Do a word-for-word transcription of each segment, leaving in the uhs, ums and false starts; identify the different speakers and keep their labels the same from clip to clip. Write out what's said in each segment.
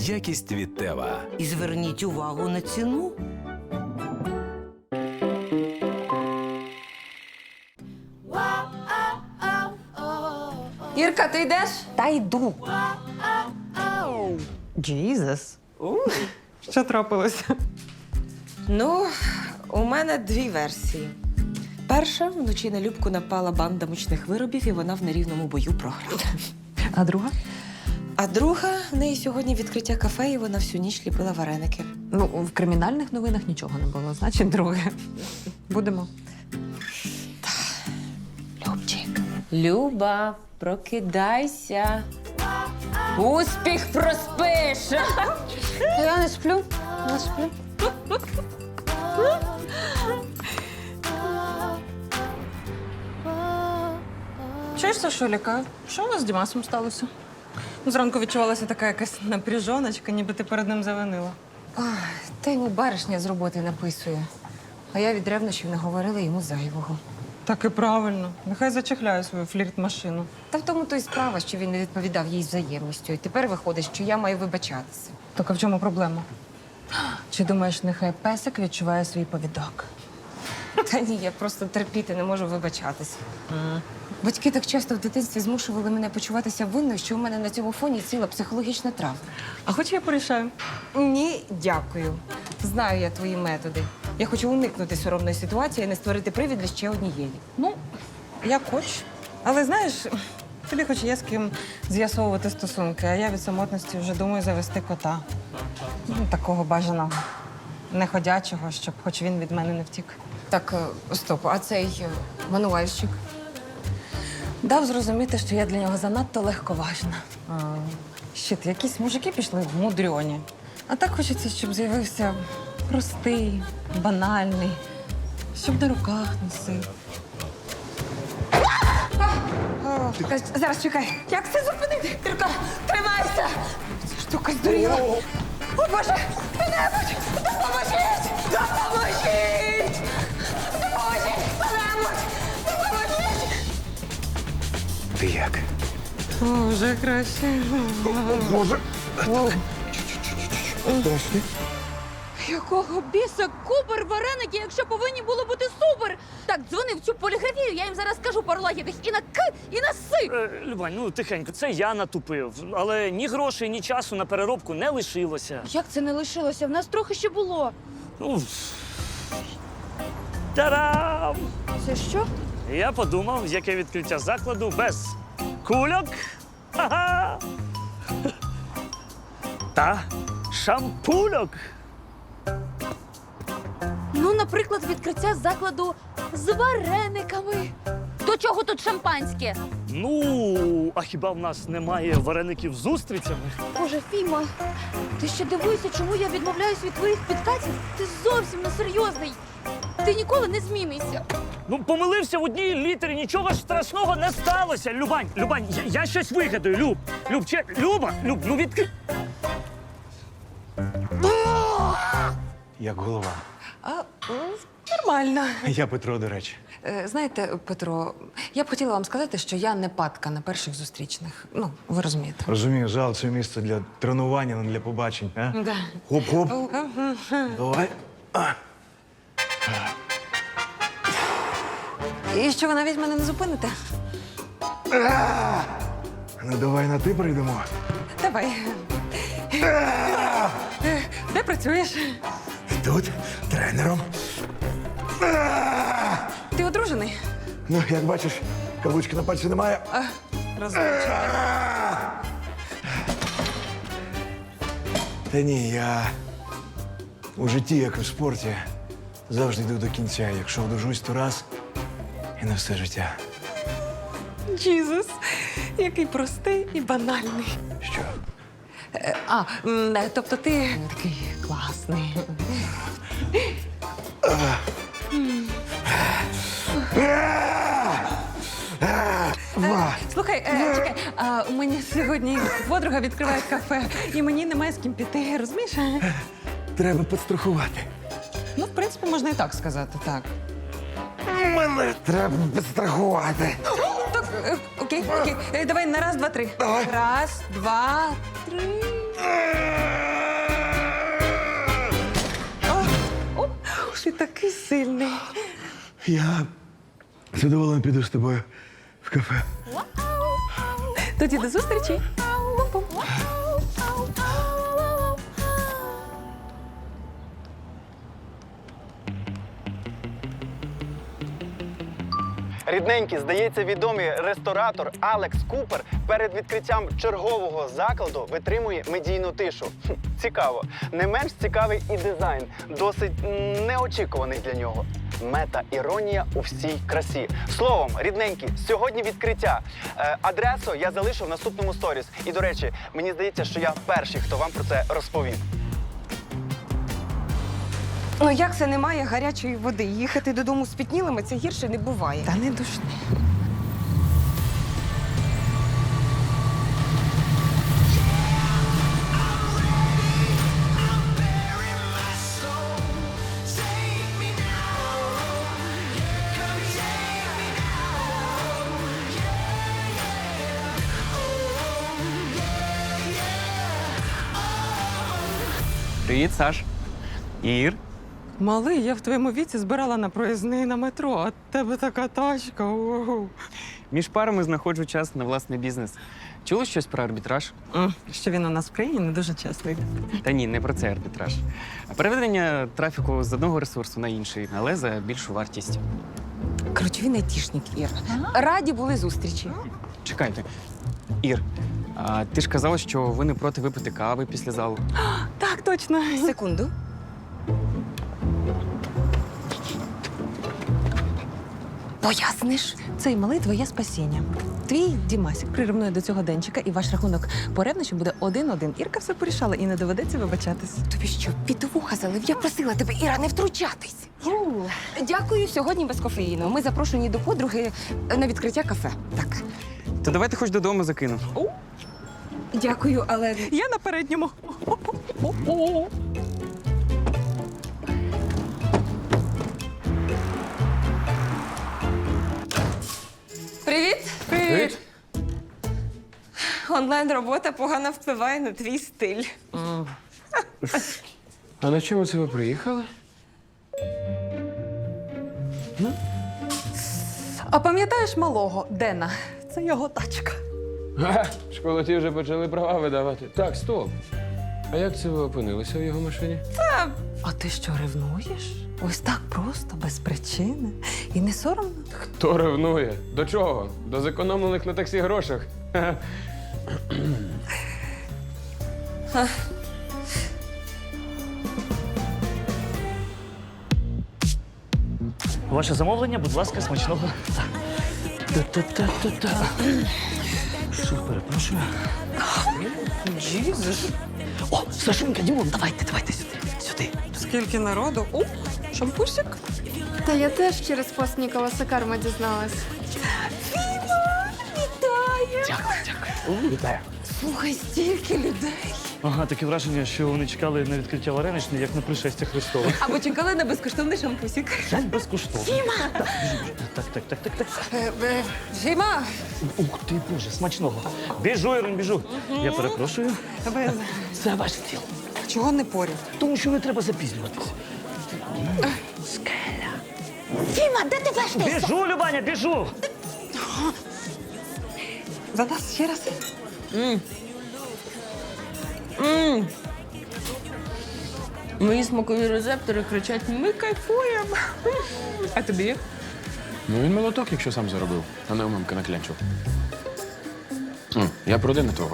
Speaker 1: Якість від Тева.
Speaker 2: І зверніть увагу на ціну.
Speaker 3: Ірка, ти йдеш?
Speaker 4: Та йду.
Speaker 3: Джізус. Що трапилося?
Speaker 4: Ну, у мене дві версії. Перша, вночі на Любку напала банда мучних виробів, і вона в нерівному бою програла.
Speaker 3: А друга?
Speaker 4: А друга, в неї сьогодні відкриття кафе, і вона всю ніч ліпила вареники.
Speaker 3: Ну, в кримінальних новинах нічого не було, значить, друге. Будемо.
Speaker 4: Любчик. Люба, прокидайся. Успіх проспиш!
Speaker 3: Я не сплю, не сплю. Чуєш, Сашуліка, що у вас з Дімасом сталося? Зранку відчувалася така якась напряжоночка, ніби ти перед ним завинила.
Speaker 5: Та йому баришня з роботи написує. А я від ревнощів наговорила йому зайвого.
Speaker 3: Так і правильно. Нехай зачехляє свою флірт-машину.
Speaker 5: Та в тому то й справа, що він не відповідав їй взаємністю. І тепер виходить, що я маю вибачатися.
Speaker 3: Так а в чому проблема? Чи думаєш, нехай песик відчуває свій повідок?
Speaker 5: Та ні, я просто терпіти не можу вибачатися. Батьки так часто в дитинстві змушували мене почуватися винною, що у мене на цьому фоні ціла психологічна травма.
Speaker 3: А хоч я порішаю.
Speaker 5: Ні, дякую. Знаю я твої методи. Я хочу уникнути соромної ситуації і не створити привід для ще однієї.
Speaker 3: Ну, як хоч. Але знаєш, тобі хоч є з ким з'ясовувати стосунки, а я від самотності вже думаю завести кота. Ну, такого бажаного, неходячого, щоб хоч він від мене не втік.
Speaker 5: Так, е, стоп, а цей е, мануальщик?
Speaker 3: Дав зрозуміти, що я для нього занадто легковажна. А, щит, якісь мужики пішли в мудрьоні. А так хочеться, щоб з'явився простий, банальний, щоб на руках носив.
Speaker 5: Та зараз чекай. Як це зупинити? Тільки тримайся! Ця штука здуріла. О, Боже! Хто-небудь! Допоможіть! Допоможіть! Допоможіть! Хто-небудь! Допоможіть!
Speaker 1: Ти як?
Speaker 3: О, вже краще.
Speaker 1: Боже!
Speaker 6: Якого біса купер вареники, якщо повинні було бути супер? Так, дзвони в цю поліграфію, я їм зараз скажу пару лагідних і на К, і на С.
Speaker 7: Е, Любань, ну тихенько, це я натупив. Але ні грошей, ні часу на переробку не лишилося.
Speaker 6: Як це не лишилося? В нас трохи ще було.
Speaker 7: Ну, Тарам!
Speaker 6: Це що?
Speaker 7: Я подумав, яке відкриття закладу без кульок. Ха-ха! Та шампульок.
Speaker 6: Ну, наприклад, відкриття закладу з варениками. До чого тут шампанське?
Speaker 7: Ну, а хіба в нас немає вареників з устрицями?
Speaker 6: Боже, Фіма, ти ще дивуєшся, чому я відмовляюсь від твоїх підкатів? Ти зовсім не серйозний. Ти ніколи не змінишся.
Speaker 7: Ну, помилився в одній літері, нічого ж страшного не сталося. Любань, Любань, я, я щось вигадаю, Люб. Люб, че, Люба, Люб, ну відкрий.
Speaker 8: Як голова.
Speaker 3: А, нормально.
Speaker 8: Я Петро, до речі.
Speaker 3: Е, Знаєте, Петро, я б хотіла вам сказати, що я не падка на перших зустрічних. Ну, ви розумієте.
Speaker 8: Розумію, зал це місце для тренування, не для побачень. А?
Speaker 3: Да.
Speaker 8: Хоп-хоп. Давай. А.
Speaker 3: І що ви навіть мене не зупините?
Speaker 8: Ну, давай на ти прийдемо.
Speaker 3: Давай. Де працюєш?
Speaker 8: Тут тренером.
Speaker 3: Ти одружений?
Speaker 8: Ну, як бачиш, каблучки на пальці немає.
Speaker 3: Розлучений.
Speaker 8: Та ні, я у житті, як і в спорті, завжди йду до кінця. Якщо одружусь, то раз і на все життя.
Speaker 3: Джізус, який простий і банальний.
Speaker 8: Що?
Speaker 3: Е, А, м, е, тобто ти такий класний. Е, Слухай, е, чекай, а у мене сьогодні подруга відкриває кафе, і мені немає з ким піти, розумієш?
Speaker 8: Треба підстрахувати.
Speaker 3: Ну, в принципі, можна і так сказати, так.
Speaker 8: Мене треба підстрахувати.
Speaker 3: Так, е, окей, окей. Е, Давай на раз, два, три.
Speaker 8: Давай.
Speaker 3: Раз, два, три.
Speaker 4: такий сильний.
Speaker 8: Я задоволений піду з тобою в кафе.
Speaker 4: Тоді до зустрічі.
Speaker 9: Рідненькі, здається, відомий ресторатор Алекс Купер перед відкриттям чергового закладу витримує медійну тишу. Хм, цікаво. Не менш цікавий і дизайн, досить м, неочікуваний для нього. Мета-іронія у всій красі. Словом, рідненькі, сьогодні відкриття. Е, адресу я залишу в наступному сторіс. І, до речі, мені здається, що я перший, хто вам про це розповів.
Speaker 4: Ну як це немає гарячої води? Їхати додому спітнілими – це гірше не буває.
Speaker 3: Та не душни.
Speaker 10: Привіт, Саш. Ір.
Speaker 3: Малий, я в твоєму віці збирала на проїзний на метро, а в тебе така тачка. Ого.
Speaker 10: Між парами знаходжу час на власний бізнес. Чули щось про арбітраж?
Speaker 3: М, Що він у нас в країні не дуже часто йде.
Speaker 10: Та ні, не про це арбітраж. А переведення трафіку з одного ресурсу на інший, але за більшу вартість.
Speaker 4: Коротше, він айтішник, Ір. Раді були зустрічі.
Speaker 10: Чекайте. Ір, а ти ж казала, що ви не проти випити кави після залу.
Speaker 3: Так, точно.
Speaker 4: Секунду. Поясниш?
Speaker 3: Цей малий твоє спасіння. Твій Дімасік прирівнує до цього денчика, і ваш рахунок по ревнощам буде один-один. Ірка все порішала і не доведеться вибачатись.
Speaker 4: Тобі що, під вуха залив? Я просила тебе, Іра, не втручатись. Дякую, сьогодні без кофеїну. Ми запрошені до подруги на відкриття кафе. Так.
Speaker 10: То давайте хоч додому закину.
Speaker 4: Дякую, але
Speaker 3: Я на передньому.
Speaker 4: Привіт! Привіт! Онлайн-робота погано впливає на твій стиль.
Speaker 11: А на чому це ви приїхали?
Speaker 3: А пам'ятаєш малого Дена? Це його тачка.
Speaker 11: Ага, школоті вже почали права видавати. Так, стоп. А як це ви опинилися в його машині?
Speaker 3: А ти що, ревнуєш? Ось так просто, без причини. І не соромно?
Speaker 11: Хто ревнує? До чого? До зекономлених на таксі грошах. Ха-ха.
Speaker 7: Ваше замовлення, будь ласка, смачного. Та-та-та-та-та. Що, перепрошую?
Speaker 4: Джізус.
Speaker 7: О, Сашунька, Дімон, давайте, давайте сюди. Сюди.
Speaker 3: Скільки народу? О, шампусик.
Speaker 6: Та я теж через пост Ніколаса Карма дізналась.
Speaker 7: Дякую, дякую. Вітаю.
Speaker 4: Слухай, стільки людей.
Speaker 7: Ага, таке враження, що вони чекали на відкриття вареничні, як на пришестя Христова.
Speaker 4: Або чекали на безкоштовний шампусик.
Speaker 7: Жаль безкоштовно. Фіма! Так, так, так, так, так.
Speaker 4: Фіма!
Speaker 7: Ух ти, Боже, смачного. Біжу, Ірин, біжу. Я перепрошую. Це ваш стіл.
Speaker 3: Чого не поряд?
Speaker 7: Тому що не треба запізнюватися.
Speaker 6: Фіма, де ти вештаєшся?
Speaker 7: Біжу, Любаня, біжу!
Speaker 3: За нас ще раз.
Speaker 4: Мої смакові рецептори кричать: ми кайфуємо. А тобі?
Speaker 11: Ну він молоток, якщо сам заробив, а не у мамки наклянчив. М, Я про Дена твого.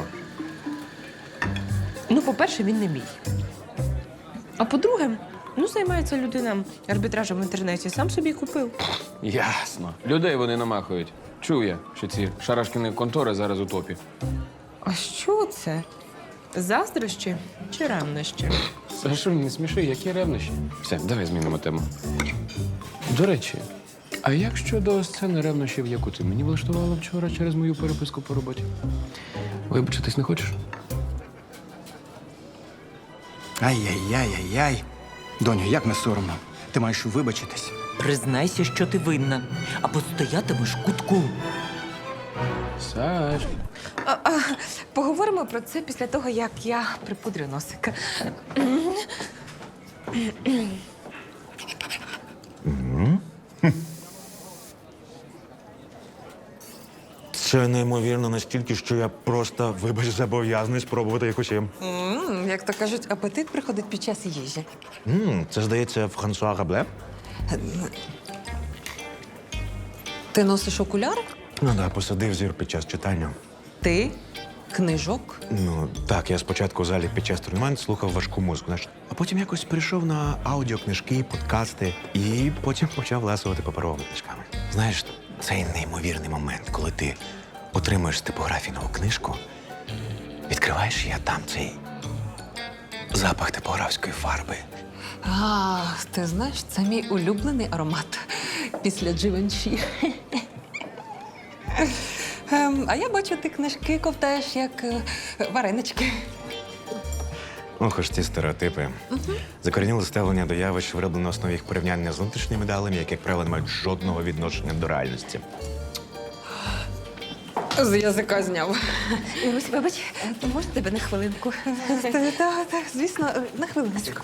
Speaker 4: Ну, по-перше, він не мій. А по-друге, ну, займається людина арбітражем в інтернеті, сам собі купив.
Speaker 11: Ясно. Людей вони намахують. Чув я, що ці шарашкіни контори зараз у топі.
Speaker 4: А що це? Заздрощі чи ревнощі?
Speaker 11: Сашунь, не сміши, які ревнощі. Все, давай змінимо тему. До речі, а як щодо сцени ревнощів, яку ти мені влаштувала вчора через мою переписку по роботі? Вибачитись не хочеш?
Speaker 9: Ай-яй-яй-яй-яй. Доню, як не соромно. Ти маєш вибачитись.
Speaker 2: Признайся, що ти винна, або стоятимеш в кутку.
Speaker 11: Саш,
Speaker 4: А, а, поговоримо про це після того, як я припудрю носика.
Speaker 8: Це неймовірно настільки, що я просто, вибач, зобов'язаний спробувати їх усім.
Speaker 3: М, Як то кажуть, апетит приходить під час їжі.
Speaker 8: М, це, здається, Франсуа Рабле.
Speaker 3: Ти носиш окуляри?
Speaker 8: Ну да, посадив зір під час читання.
Speaker 3: Ти? Книжок?
Speaker 8: Ну, так, я спочатку в залі під час тренувань слухав важку музику, знаєш. А потім якось перейшов на аудіокнижки, подкасти і потім почав ласувати паперовими книжками. Знаєш, цей неймовірний момент, коли ти отримуєш з типографії нову книжку, відкриваєш її, а там цей запах типографської фарби.
Speaker 3: А, ти знаєш, це мій улюблений аромат після Дживенші. Ем, а я бачу, ти книжки ковтаєш, як е, варенички.
Speaker 8: Ох, ось ці стереотипи. Закорініле ставлення до явищ вироблено на основі їх порівняння з внутрішніми далями, які, як правило, не мають жодного відношення до реальності.
Speaker 3: З язика зняв.
Speaker 5: Ірусь, вибач, можна тебе на хвилинку?
Speaker 3: Так, так, так, звісно, на хвилиночку.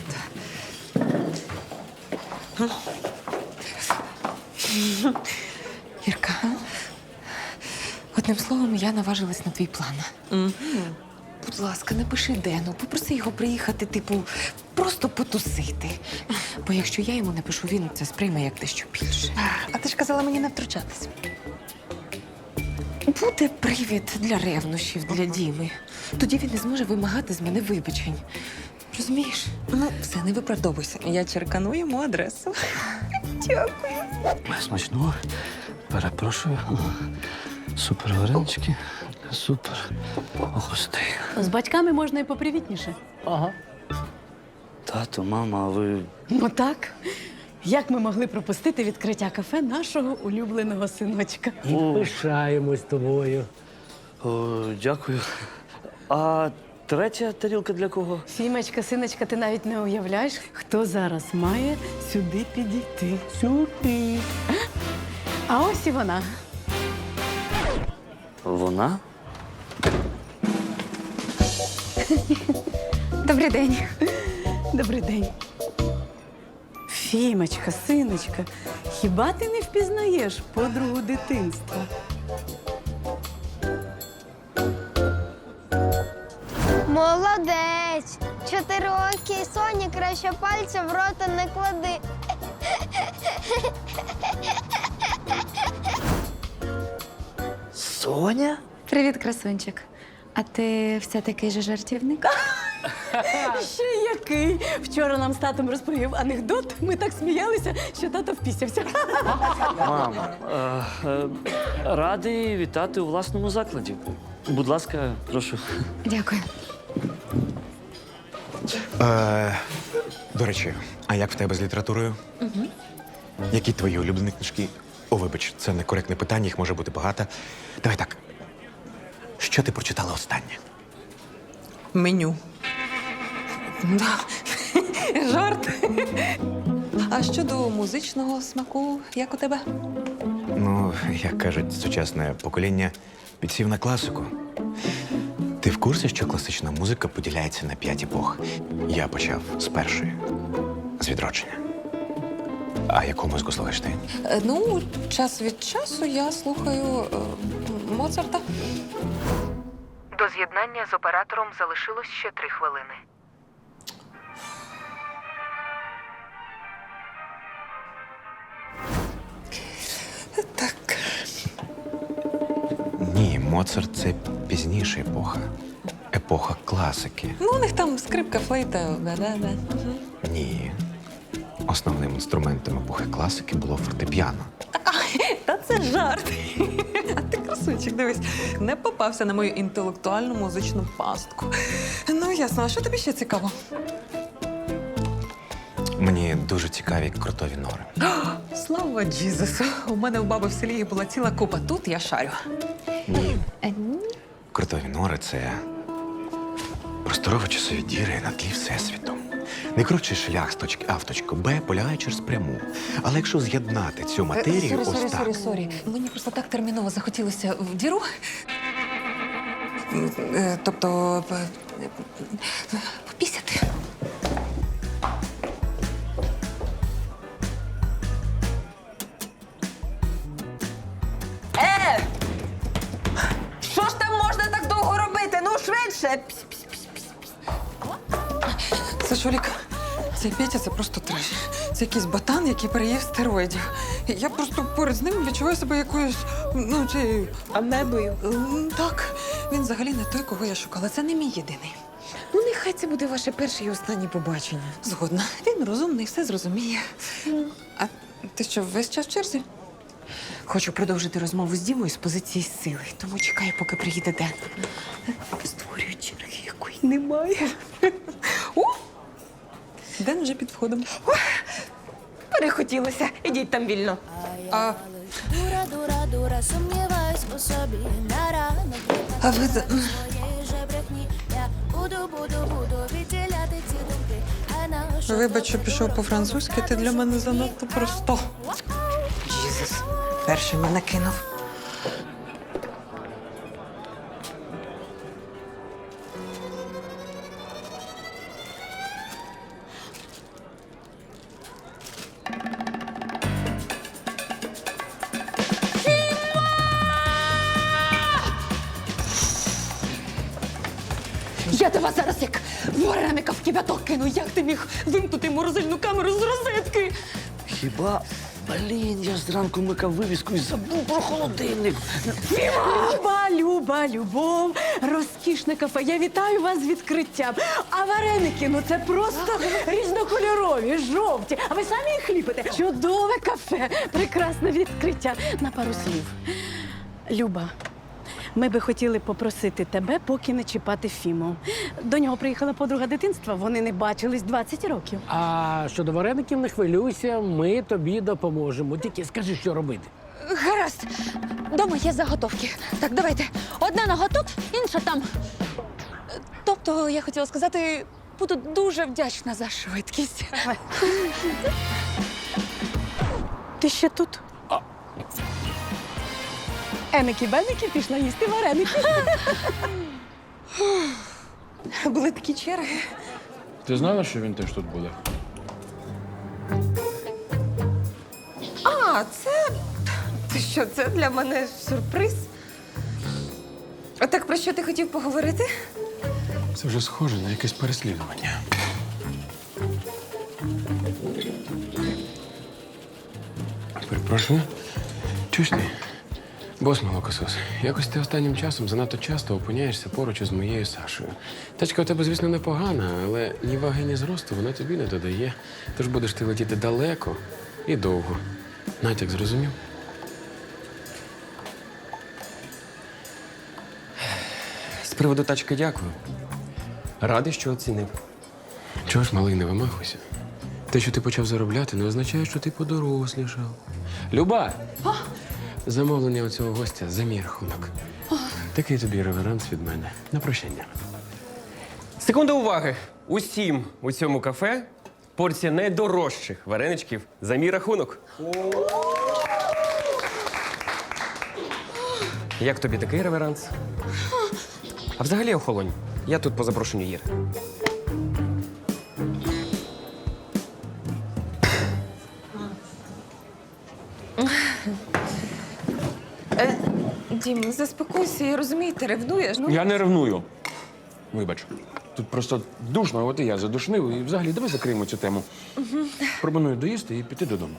Speaker 5: Ірка, одним словом, я наважилась на твій план. Будь ласка, напиши Дену, попроси його приїхати, типу, просто потусити. Бо якщо я йому напишу, він це сприйме як дещо більше.
Speaker 3: А ти ж казала мені не втручатись.
Speaker 5: Буде привід для ревнощів, для Діми. Тоді він не зможе вимагати з мене вибачень. Розумієш?
Speaker 3: Ну, все, не виправдовуйся. Я черкану йому адресу.
Speaker 11: Смачного. Перепрошую. Супер варенички. Супер гостей.
Speaker 6: З батьками можна і попривітніше.
Speaker 7: Ага. Тато, мама, а ви.
Speaker 6: Ну так. Як ми могли пропустити відкриття кафе нашого улюбленого синочка?
Speaker 7: Пишаємось тобою. О, дякую. А третя тарілка для кого?
Speaker 6: Фімочка, синочка, ти навіть не уявляєш, хто зараз має сюди підійти. Сюди. А ось і вона.
Speaker 7: Вона?
Speaker 6: Добрий день. Добрий день. Фімочка, синочка, хіба ти не впізнаєш подругу дитинства?
Speaker 12: Молодець! Чотирикий Соні краще пальця в рота не клади.
Speaker 7: Соня?
Speaker 6: Привіт, красунчик. А ти все такий же жартівник? Ще який? Вчора нам з татом розповів анекдот. Ми так сміялися, що тато впісявся.
Speaker 7: Мам, е, е, радий вітати у власному закладі. Будь ласка, прошу.
Speaker 5: Дякую.
Speaker 8: Е, до речі, а як в тебе з літературою? Угу. Які твої улюблені книжки? О, вибач, це некоректне питання, їх може бути багато. Давай так. Що ти прочитала останнє?
Speaker 3: Меню. Да. Жарт. А щодо музичного смаку, як у тебе?
Speaker 8: Ну, як кажуть, сучасне покоління підсів на класику. Ти в курсі, що класична музика поділяється на п'ять епох? Я почав з першої, з відродження. А яку музику слухаєш ти?
Speaker 3: Е, Ну, час від часу я слухаю е, Моцарта.
Speaker 13: До з'єднання з оператором залишилось ще три хвилини.
Speaker 3: Так.
Speaker 8: Ні, Моцарт – це пізніша епоха. Епоха класики.
Speaker 3: Ну, у них там скрипка, флейта, да-да-да. Угу.
Speaker 8: Ні. Основним інструментом епохи класики було фортепіано.
Speaker 3: Та це жарт. А ти, красунчик, дивись, не попався на мою інтелектуальну музичну пастку. Ну, ясно, а що тобі ще цікаво?
Speaker 8: Мені дуже цікаві крутові нори.
Speaker 3: Слава Джізусу! У мене у баби в селі їх була ціла купа. Тут я шарю.
Speaker 8: Ні. Крутові нори – це просторово-часові діри на тлі Всесвіту. Найкоротший шлях з точки А в точку Б полягає через пряму. Але якщо з'єднати цю матерію,
Speaker 3: Сорі,
Speaker 8: ось
Speaker 3: сорі,
Speaker 8: так…
Speaker 3: сорі, сорі. Мені просто так терміново захотілося в діру. Е, Тобто… е, е, попісяти. Е! Слиш, Олік, цей Петя це просто треш. Це якийсь ботан, який переїв стероїдів. І я просто поряд з ним відчуваю себе якоюсь, ну, цією...
Speaker 4: Амебою.
Speaker 3: М, Так, він взагалі не той, кого я шукала. Це не мій єдиний.
Speaker 5: Ну, нехай це буде ваше перше і останнє побачення.
Speaker 3: Згодна. Він розумний, все зрозуміє. А ти що, весь час в черзі?
Speaker 5: Хочу продовжити розмову з Дімою з позиції сили, тому чекаю, поки приїде Ден. Створюю черги, якої немає.
Speaker 3: О! Ден вже під входом.
Speaker 5: Перехотілося. Ідіть там вільно.
Speaker 3: А,
Speaker 12: Дура, дура, дура, сумніваюсь у собі. На ранок
Speaker 3: а ви... за-
Speaker 12: твоєї же брехні. Я буду, буду, буду відділяти ці думки. А на що
Speaker 3: Вибач, що пішов по-французьки, ти для мене занадто просто.
Speaker 5: Джізус. Перший мене кинув.
Speaker 6: Я тебе зараз як вареника в кипяток кину. Як ти міг вимкнути морозильну камеру з розетки?
Speaker 7: Хіба, блін, я ж зранку микав вивіску і забув про холодильник.
Speaker 6: Люба, Люба, Любов, розкішне кафе. Я вітаю вас з відкриттям. А вареники, ну це просто різнокольорові, жовті. А ви самі їх ліпите? Чудове кафе, прекрасне відкриття. На пару слів. Люба, ми би хотіли попросити тебе поки не чіпати Фіму. До нього приїхала подруга дитинства, вони не бачились двадцять років.
Speaker 11: А щодо вареників, не хвилюйся, ми тобі допоможемо. Тільки скажи, що робити.
Speaker 6: Гаразд. Дома є заготовки. Так, давайте. Одна нога тут, інша там. Тобто, я хотіла сказати, буду дуже вдячна за швидкість. Ти ще тут? Емики-бемики пішла їсти вареники.
Speaker 3: Були такі черги.
Speaker 11: Ти знала, що він теж тут буде?
Speaker 4: А, це. Ти що, це для мене сюрприз? А так про що ти хотів поговорити?
Speaker 11: Це вже схоже на якесь переслідування. Перепрошую. Чуєш ти? Бос молокосос, якось ти останнім часом занадто часто опиняєшся поруч із моєю Сашою. Тачка у тебе, звісно, непогана, але ні ваги, ні зросту вона тобі не додає. Тож будеш ти летіти далеко і довго. Натяк зрозумів?
Speaker 10: З приводу тачки дякую. Радий, що оцінив.
Speaker 11: Чого ж, малий, не вимахуйся? Те, що ти почав заробляти, не означає, що ти подорослішав. Люба! Замовлення у цього гостя за мій рахунок. Такий тобі реверанс від мене. На прощання.
Speaker 10: Секунда уваги. Усім у цьому кафе порція найдорожчих вареничків за мій рахунок. Як тобі такий реверанс? А взагалі охолонь. Я тут по запрошенню Іри.
Speaker 4: Е, Дім, заспокойся, я розумію, ти ревнуєш. Ну,
Speaker 11: Я не ревную. Вибач. Тут просто душно, от і я задушнив. І взагалі, давай закриємо цю тему. Пропоную доїсти і піти додому.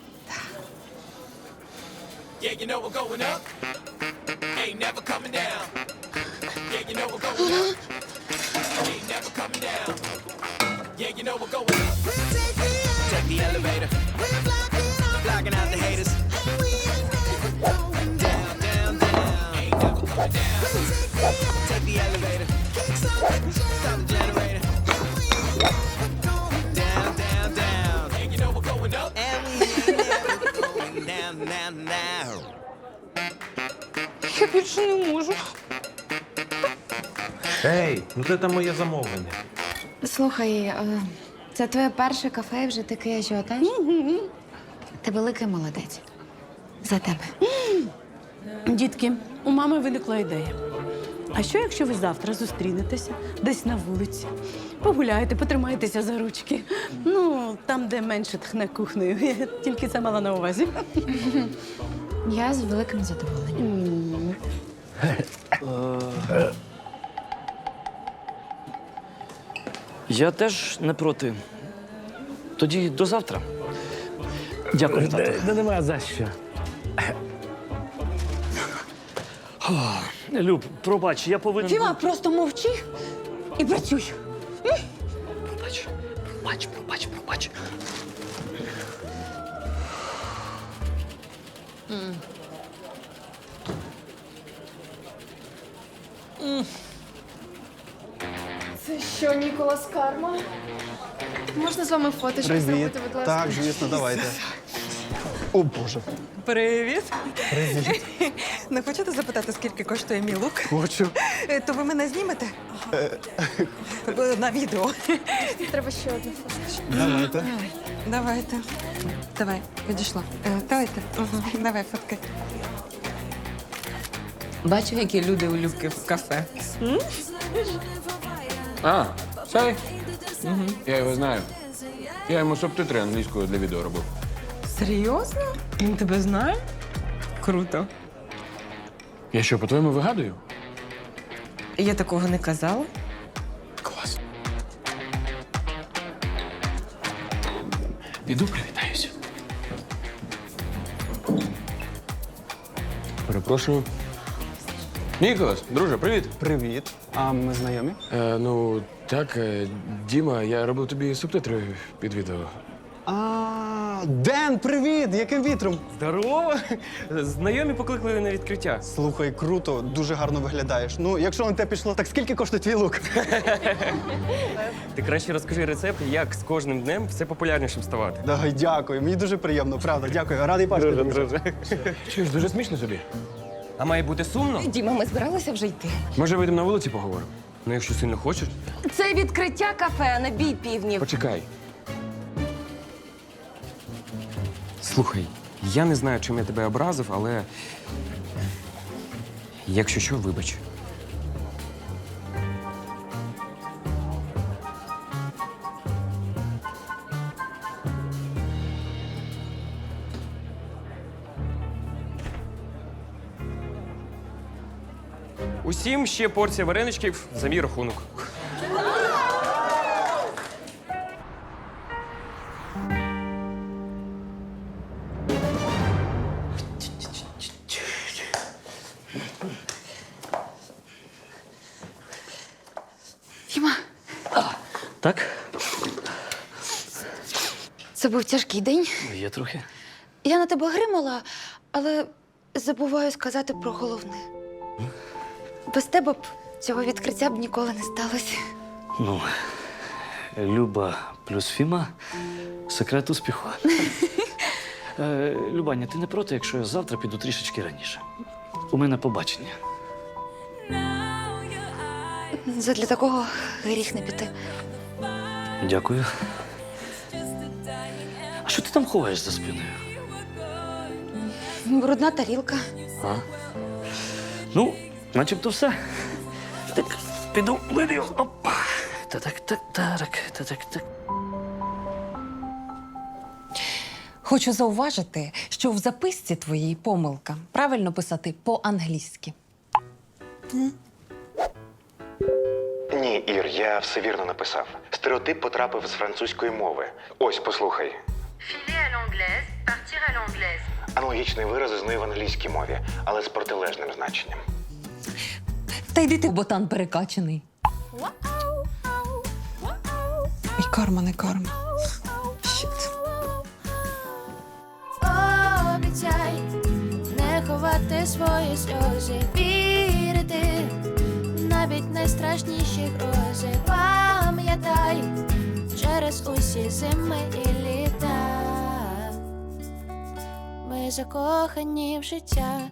Speaker 3: Я більше не можу.
Speaker 8: Ей, ну це там моє замовлення.
Speaker 6: Слухай, е, це твоє перше кафе і вже такий ажіотаж? Ти великий молодець. За тебе.
Speaker 14: Дітки, у мами виникла ідея. А що, якщо ви завтра зустрінетеся десь на вулиці, погуляєте, потримаєтеся за ручки? Ну, там, де менше тхне кухнею. Я тільки це мала на увазі.
Speaker 6: Я з великим задоволенням.
Speaker 7: Я теж не проти. Тоді до завтра. Дякую, тато.
Speaker 11: Не нема за що.
Speaker 7: Люб, пробач, я повинен...
Speaker 6: Фіма, просто мовчи і працюй.
Speaker 7: Пробач, пробач, пробач, пробач.
Speaker 15: Це що, Ніколас Карма? Можна з вами фоточку зробити, будь ласка?
Speaker 9: Так, звісно, давайте. О, Боже.
Speaker 3: Привіт.
Speaker 9: Привіт.
Speaker 3: Не хочете запитати, скільки коштує мій лук?
Speaker 9: Хочу.
Speaker 3: Е, То ви мене знімете? Е, На відео.
Speaker 15: Треба ще одну фоточку.
Speaker 9: Давайте.
Speaker 3: Давайте. Давай, підійшла. Е, Давайте. Угу. Давай, фоткай.
Speaker 4: Бачив, які люди у Любки в кафе.
Speaker 11: А, цей? Угу. Я його знаю. Я йому субтитри англійською для відео робив.
Speaker 4: Серйозно? Він тебе знає? Круто.
Speaker 11: Я що, по-твоєму, вигадую?
Speaker 4: Я такого не казала.
Speaker 11: Клас. Піду привітаюся. Перепрошую. Ніколас, друже, привіт.
Speaker 9: Привіт. А ми знайомі?
Speaker 11: Е, ну, так, е, Діма, я робив тобі субтитри під відео.
Speaker 9: А, Ден, привіт! Яким вітром?
Speaker 10: Здорово! Знайомі покликали на відкриття.
Speaker 9: Слухай, круто, дуже гарно виглядаєш. Ну, якщо на те пішло, так скільки коштує твій лук?
Speaker 10: Ти краще розкажи рецепт, як з кожним днем все популярнішим ставати.
Speaker 9: Давай, дякую. Мені дуже приємно, правда. Дякую. Радий бачити. друже.
Speaker 11: Чуєш, дуже смішно тобі.
Speaker 10: А має бути сумно?
Speaker 5: Діма, ми збиралися вже йти.
Speaker 11: Може, вийдемо на вулиці поговоримо?
Speaker 10: Ну, якщо сильно хочеш.
Speaker 5: Це відкриття кафе, а не бій півнів.
Speaker 11: Почекай.
Speaker 10: Слухай, я не знаю, чим я тебе образив, але якщо що, вибач. Усім ще порція вареничків за мій рахунок.
Speaker 15: Фіма,
Speaker 7: Так?
Speaker 15: це був тяжкий день.
Speaker 7: Є трохи.
Speaker 15: Я на тебе гримала, але забуваю сказати про головне. Без тебе б цього відкриття б ніколи не сталося.
Speaker 7: Ну, Люба плюс Фіма – секрет успіху. Е, Любаня, ти не проти, якщо я завтра піду трішечки раніше? У мене побачення.
Speaker 15: Задля такого гріх не піти.
Speaker 7: Дякую. А що ти там ховаєш за спиною?
Speaker 15: Брудна тарілка.
Speaker 7: А? Ну, начебто все. Так, піду вилію. Опа. Та-так, так, так, та-так, так.
Speaker 3: Хочу зауважити, що в записці твоїй помилка. Правильно писати по-англійськи.
Speaker 8: Ні, Ір, я все вірно написав. Стереотип потрапив з французької мови. Ось, послухай.
Speaker 13: Filer à l'anglaise, partir à l'anglaise.
Speaker 8: Аналогічний вираз існує в англійській мові, але з протилежним значенням.
Speaker 3: Та йди ти, ботан перекачаний. І карма не карма. Щит.
Speaker 12: Обіцяй не ховати свої сльози, вірити навіть найстрашніші грози. Пам'ятай через усі зими і літа. Ми закохані в життя.